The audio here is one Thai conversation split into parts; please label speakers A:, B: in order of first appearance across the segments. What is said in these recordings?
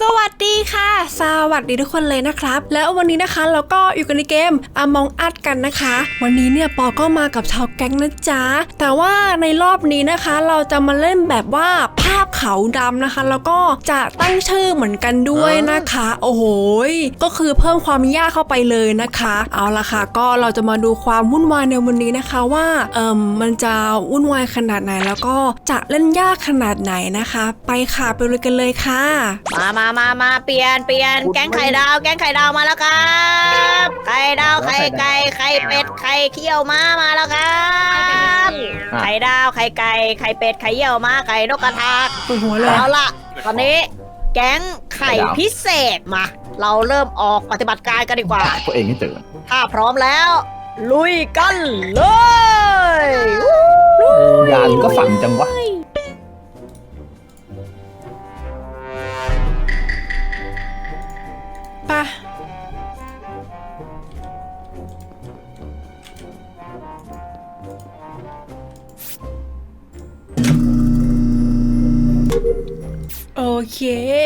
A: สวัสดีค่ะสวัสดีทุกคนเลยนะครับแล้ววันนี้นะคะเราก็อยู่กันในเกม Among Us กันนะคะวันนี้เนี่ยปอก็มากับชาวแก๊งนะจ๊ะแต่ว่าในรอบนี้นะคะเราจะมาเล่นแบบว่าภาพขาวดำนะคะแล้วก็จะตั้งชื่อเหมือนกันด้วยนะคะโอ้โหก็คือเพิ่มความยากเข้าไปเลยนะคะเอาละค่ะก็เราจะมาดูความวุ่นวายในวันนี้นะคะว่ามันจะวุ่นวายขนาดไหนแล้วก็จะเล่นยากขนาดไหนนะคะไปค่ะไปเลยกันเลยค่ะ
B: มาเปลี่ยนแกงไข่ดาวมาแล้วครับไข่ดาวไข่ไก่ไข่เป็ดไข่เคี่ยวมาแล้วครับไข่ดาวไข่ไก่ไข่เป็ดไข่เยี่ยวม้าไข่นกกระทา
A: ปวดหัวเลย
B: เอาล่ะตอนนี้แกงไข่พิเศษมาเราเริ่มออกปฏิบัติการกันดีกว่า
C: ตัวเองให้เจอ
B: ถ้าพร้อมแล้ว ลุยกันเลย
C: ยานก็ฝังจังวะ
A: ปะโอเค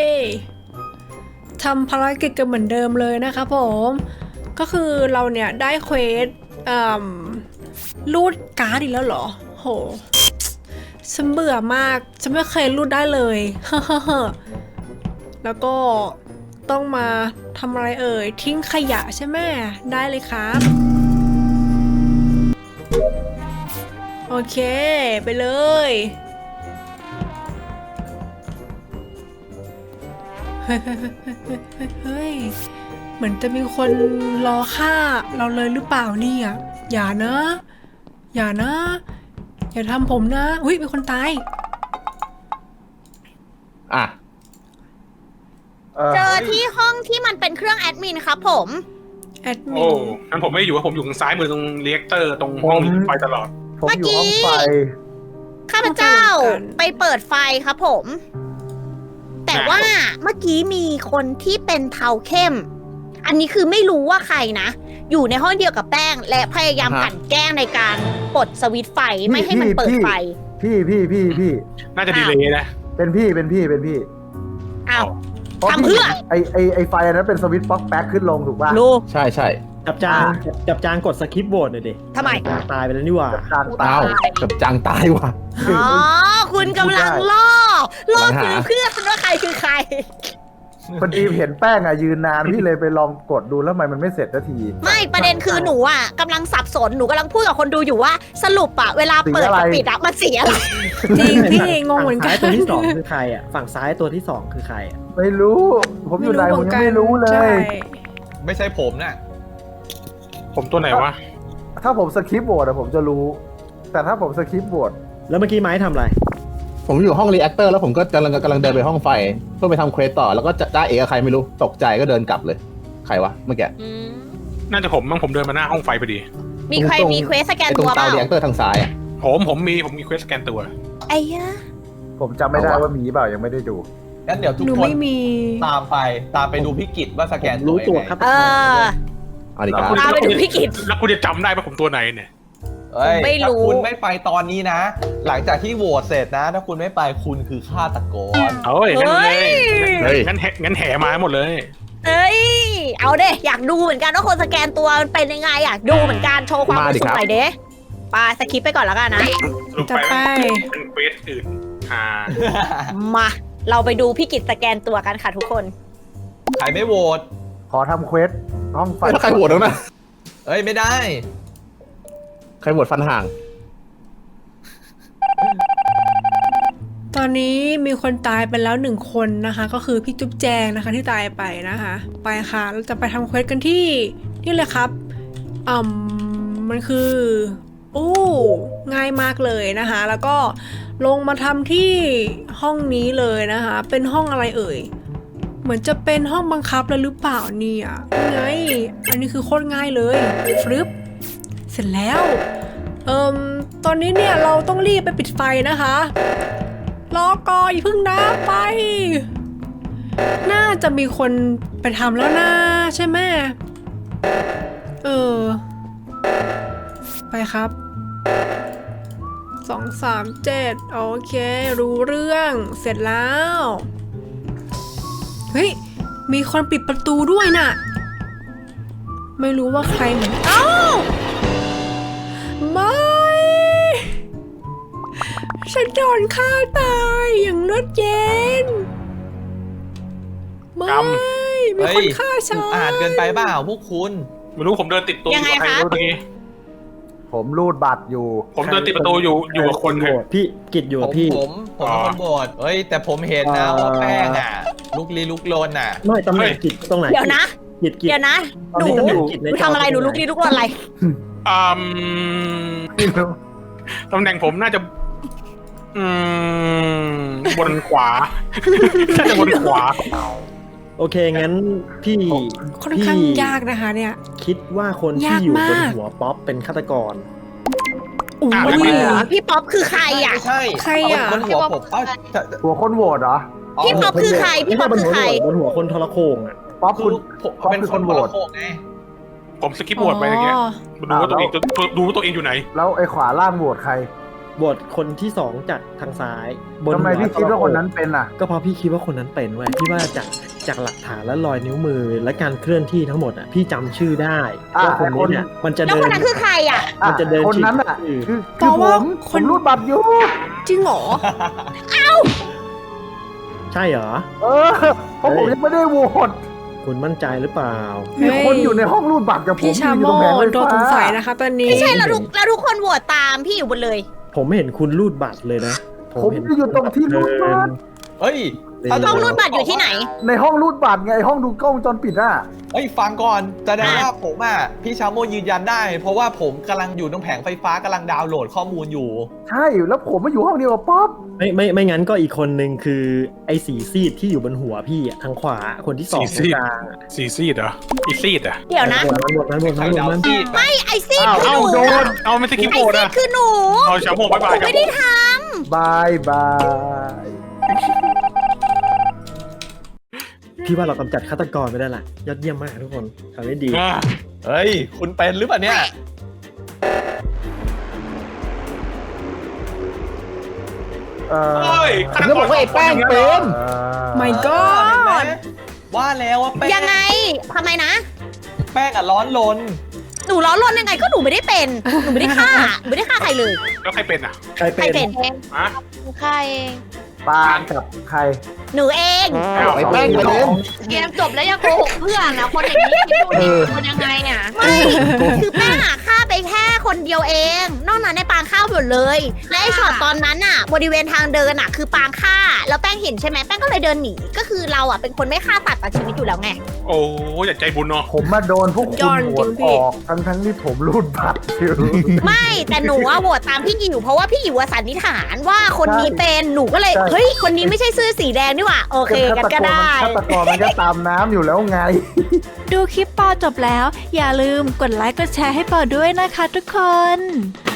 A: ทำภารกิจกันเหมือนเดิมเลยนะคะผมก็คือเราเนี่ยได้เควสรูดการ์ดอีกแล้วเหรอโหฉันเบื่อมากฉันไม่เคยรูดได้เลย แล้วก็ต้องมาทำอะไรเอ่ยทิ้งขยะใช่ไหมได้เลยครับโอเคไปเลยเฮ้ยเหมือนจะมีคนรอฆ่าเราเลยหรือเปล่าเนี่ยอย่านะอย่านะอย่าทำผมนะอุ้ยมีคนตาย
C: อ่ะ
B: เจอที่ห้องที่มันเป็นเครื่องแอดมินครับผม
A: แอดมิ
D: โอ้
A: น
D: งั้นผมไม่อยู่ผมอยู่ทางซ้ายมือตรงเรียกเตอร์ตรงห้องไฟตลอด
E: ผมอยู่ห้องไฟ
B: ข้าพเจ้าไปเปิดไฟครับผม แต่ว่าเมื่อกี้มีคนที่เป็นเทาเข้ม อันนี้คือไม่รู้ว่าใครนะ อยู่ในห้องเดียวกับแป้ง และพยายามกลั่นแกล้งในการปลดสวิตช์ไฟไม่ให้มันเปิดไฟ
E: พี่
D: น่าจะดีเลยนะ
E: เป็นพี่
B: อ้าว
E: พราะ
B: ทำเพื่อ
E: ไอไฟอันนั้นเป็นสวิตช์ป๊อกแป๊กขึ้นลงถูกป่ะ
B: รู้
C: ใช่ใช่
F: จับจางกดสคิปโหวตหน่อยดิ
B: ทำไม
F: ตายไปแล้วนี่หว่า
E: กลางตา
C: อ้าวกับจังตายว่ะ
B: อ๋อ คุณกำลังล่อ
C: กำลังหา
B: ซื้อเพื่อนว่าใครคือใคร
E: พอดีเห็นแป้งอะยืนนานพี่เลยไปลองกดดูแล้วทำไมมันไม่เสร็จสักที
B: ไม่ประเด็นคือหนูอ่ะกำลังสับสนหนูกำลังพูดกับคนดูอยู่ว่าสรุปอ่ะเวลาเปิดกับปิดอ่ะมันเสียอะไร
A: จริงพี่งงเหมือนกั
F: ฝั่
A: น
F: งซ้ายตัวที่สองคือใครอ่ะ ฝั่งซ้ายตัวที่สองคือใครอ่ะ
E: ไม่รู้ ผมอยู่ไหนผมยังไม่รู้เล
A: ใช่
E: ย
G: ไม่ใช่ผมน่ะ
D: ผมตัวไหนวะ
E: ถ้าผมสคิปโหวตอะผมจะรู้ แต่ถ้าผมสคิปโหวต
F: แล้วเมื่อกี้ไม้ทำอะไร
C: ผมอยู่ห้องรีแอคเตอร์แล้วผมก็กำลังเดินไปห้องไฟเพื่อไปทำเควสต่อแล้วก็จะได้เอกกับใครไม่รู้ตกใจก็เดินกลับเลยใครวะเมื่อกี้
D: น่าจะผมมั้งผมเดินมาหน้าห้องไฟพอดี
B: มีใครมีเควสสแกน
C: ไอ้ตร
B: ตั
C: ง
B: ว
C: เตา
B: เปล่า
C: รีแอคเตอร์ทางซ้ายอ่ะ
D: ผมมีเควสสแกนตัว
B: ไอ้ยะ
E: ผมจำไม่ได้ว่ามีเปล่ายังไม่ได้ดู
G: งั้นเดี๋ยวทุก
A: หนู
G: คน
A: ไม่มี
G: ตามไปดูพี่กิจว่าสแกน
F: รู้ตัว
G: ยังไง
F: ครับ
B: เออ
C: เอาดีครับ
B: ตามไปดูพี่กิจ
D: แล้วคุณจะจำได้ปะผมตัวไหนเนี่ย
G: เอ้ย
B: ไม่รู้
G: ถ้าคุณไม่ไปตอนนี้นะ หลังจากที่โหวตเสร็จนะ ถ้าคุณไม่ไปคุณคือฆาตกร
D: เฮ้ยงั้นเลย
C: เฮ้ย
D: งั้นแห่มาหมดเลย
B: เอ้ยเอาเด้อยากดูเหมือนกันว่าคนสแกนตัวมันเป็นยังไงอยากดูเหมือนกันโชว์ความรู้สึกหน่อยเด้ไปสคิปไปก่อนแล้วกันนะ
D: สรุป
A: จะไป
D: เป็นเควสอื่น
B: มาเราไปดูพี่กิจสแกนตัวกันค่ะทุกคน
G: ใครไม่โหวต
E: ขอทำเควสห้องไฟ
C: แล้วใครโหวตแล้วนะ
G: เอ้ยไม่ได้
C: ใครโหวตฟันห่าง
A: ตอนนี้มีคนตายไปแล้ว1 คนนะคะก็คือพี่จุ๊บแจงนะคะที่ตายไปนะคะไปค่ะเราจะไปทำเควสกันที่นี่เลยครับมันคือง่ายมากเลยนะคะแล้วก็ลงมาทำที่ห้องนี้เลยนะคะเป็นห้องอะไรเอ่ยเหมือนจะเป็นห้องบังคับเลยหรือเปล่าเนี่ยไงอันนี้คือโคตรง่ายเลยฟลึบเสร็จแล้วตอนนี้เนี่ยเราต้องรีบไปปิดไฟนะคะรอก่อนอย่าเพิ่งนะไปน่าจะมีคนไปทำแล้วนะใช่ไหมไปครับ2 3 7โอเครู้เรื่องเสร็จแล้วเฮ้ย มีคนปิดประตูด้วยน่ะ ไม่รู้ว่าใครเหมือนเอ้าไม่ ฉันโดนฆ่าตายอย่างเลือดเย็น ไม่ มีคนฆ่าฉัน
G: อ่านเกินไปเปล่าพวกคุณ
D: ไม่รู้ผมเดินติดตัวอยู่กับใครเมื่อกี้
E: ผมรูดบัตรอยู่
D: ผมเดินติดประตูอยู่กับคน
F: โหวตพี่กิจอยู่กับพี่
G: ผมเป็นคนโบดเฮ้ย แต่ผมเห็นนะว่าแป้งอ่ะ ลุกลี้ลุกลนอ่ะ
F: ไม่ตำแหน่งกิจตรงไหน
B: เดี๋ยวนะ
F: กิจ
B: เดี๋ยวนะ หนู
F: ตำแหน่งกิจ
B: ห
F: ใน
B: นูทำอะไรหนูลุกลี้ลุกลนอะไร
D: อืมตำแหน่งผมน่าจะบนขวา น่าจะบนขวา
F: โอเคงั้นพี่
A: ค่อนข้างยากนะคะเนี่ย
F: คิดว่าคนที่
A: ยาก
F: อยู่บน
A: มาก
F: หัวป๊อปเป็นฆาตกร
A: อุ้
D: อ่ะ
A: ย
D: ไม่เป็นไร
B: พี่ป๊อปคือใครอ่ะ
G: ไม่ใช่
A: ใครอ่ะ
G: บนหัวผมจะ
E: หัวคนโหวตเหรอ
B: พี่ป๊อปคือใคร พี่ป๊อปคือใคร
F: บนหัวคนทรโขงอ่ะ
E: ป๊อป
G: คื
E: คุณ
G: อผมเป็นคนโหวตไง
D: ผมสกิปโหวตไปอย่างเงี้ยดูว่าตัวเองดูว่าตัวเองอยู่ไหน
E: แล้วไอ้ขวาล่างโหวตใคร
F: บทคนที่สองจากทางซ้ายบน
E: ทำไม
F: หัว
E: พี่คิดว่าคนนั้นเป็นอ่ะ
F: ก็เพราะพี่คิดว่าคนนั้นเป็นเว้ยพี่ว่าจากหลักฐานและรอยนิ้วมือและการเคลื่อนที่ทั้งหมดอ่ะพี่จำชื่อได้
E: อ่ะ
F: ว่าคนนี้เนี่ยมันจะ
B: แล้ว
F: เดิ
B: คน นนั้นคือใครอ่ะ
F: มันจะเดิน
E: คนนั้นอ่ะ
F: ฉีก
E: คือ
A: เพราะว่า
E: ผม
A: ค
E: ผ
A: น
E: มรูดบัตรอยู่
A: จริงเหรอ
F: ใช่เหรอ
E: เออเพราะผมยังไม่ได้โหวต
F: คุณมั่นใจหรือเปล่า
E: มีคนอยู่ในห้องรูดบัตรกับผม
A: พี่ชาโม
E: อยู่ตรงแผงไฟ
A: โดนสง
E: ฟ้า
A: สัยนะคะ ตอนนี้
B: ไม่ใช่แล้วทุกคนโหวตตามพี่อยู่บนเลย
F: ผมไม่เห็นคุณรูดบัตรเลยนะ
E: ผมจะอยู่ตรงที่รูดบัตร
G: เฮ้ย
B: ห้องรูดบัตรอยู่ที่ไหน
E: ในห้องรูดบัตรไงห้องดูกล้องวงจรปิดอ่ะ
G: เฮ้ยฟังก่อนแสดงว่าผมอ่ะพี่ชาโมยืนยันได้ เพราะว่าผมกำลังอยู่ตรงแผงไฟฟ้ากำลังดาวน์โหลดข้อมูลอยู่
E: ใช่แล้วผมมาอยู่ห้องเดียวกับป๊อป
F: ไม่งั้นก็อีกคนนึงคือไอ้สีซีดที่อยู่บนหัวพี่อะทางขวาคนที่สอง
D: สีซีด
F: กลางอะ
D: ซีซีดเหรออีซีดอ่ะ
B: เดี๋ยวนะ
F: บทนั้น
B: ไม่ไอซี่
E: อ้าว
B: คือหนู
E: โดน
D: เอาไม่สกิป
B: ไอ
D: โหวต
B: ซี่
D: อ่ะ
B: คือหนู
D: เอาชาโมบาย
B: ห
D: บาย
B: นูไม่ได้ท
E: บายบาย
F: พี่ว่าเรากำจัดฆาตกรไปได้ละยอดเยี่ยมมากทุกคนทำได้ดี
G: เฮ้ย คุณเป็นหรือเปล่าเนี่ย
D: เฮ้ย
C: ผมจะบอกว่าไอ้แป้งเป็น
A: My
G: เห็น
A: God
G: ไหมว่าแล้วว่าแป้ง
B: ำยังไงทำไมนะ
G: แป้งอ่ะร้อนลน
B: หนูร้อนรนยังไงก็หนูไม่ได้เป็น หนูไม่ได้ฆ่าหนูไม่ได้ฆ่าใครเลย
D: แล้วใครเป็นอ่ะ
F: ใคร
B: ใคร
F: เป็
B: เป็น น
D: ฮะ
B: ใครเอง
E: ปากับใคร
B: หนูเอง
C: ไอ้แป้งเป็น
H: เกมจบแล้วยังโกหกเพื่อนนะคนอย่างนี้คิดดูดิคนยังไงอ่ะ
B: ไม่คือแป้งอะฆ่าไปแค่คนเดียวเอง นอกนั้นในปางฆ่าหมดเลย และไอช็อตตอนนั้นอะบริเวณทางเดินอะคือปางฆ่า แล้วแป้งเห็นใช่ไหมแป้งก็เลยเดินหนี ก็คือเราอะเป็นคนไม่ฆ่าสัตว์ตัดชีวิตอยู่แล้วไง
D: โอ้ยอย่าใจบุญเนาะ
E: ผมมาโดนพวก
A: ย
E: คุ
A: อ
E: ณ
A: ด
E: โหวต
A: จริงพี่
E: ออกทั้งที่ผมรูดบัตรอยู่
B: ไม่แต่หนูอะโหวตตามพี่อิ๋วเพราะว่าพี่อิ๋วอะสันนิษฐานว่าคนนี้เป็นหนูก็เลย
E: ใช่
B: เฮ้ยคนนี้ไม่ใช่เสื้อสีแดงนี่หว่าโอเคกันก็ได้
E: ฆาตกรมันก็ตามน้ำอยู่แล้วไง
H: ดูคลิปปอจบแล้ว อย่าลืมกดไลค์กดแชร์ให้ปอด้วยนะคะทุกคน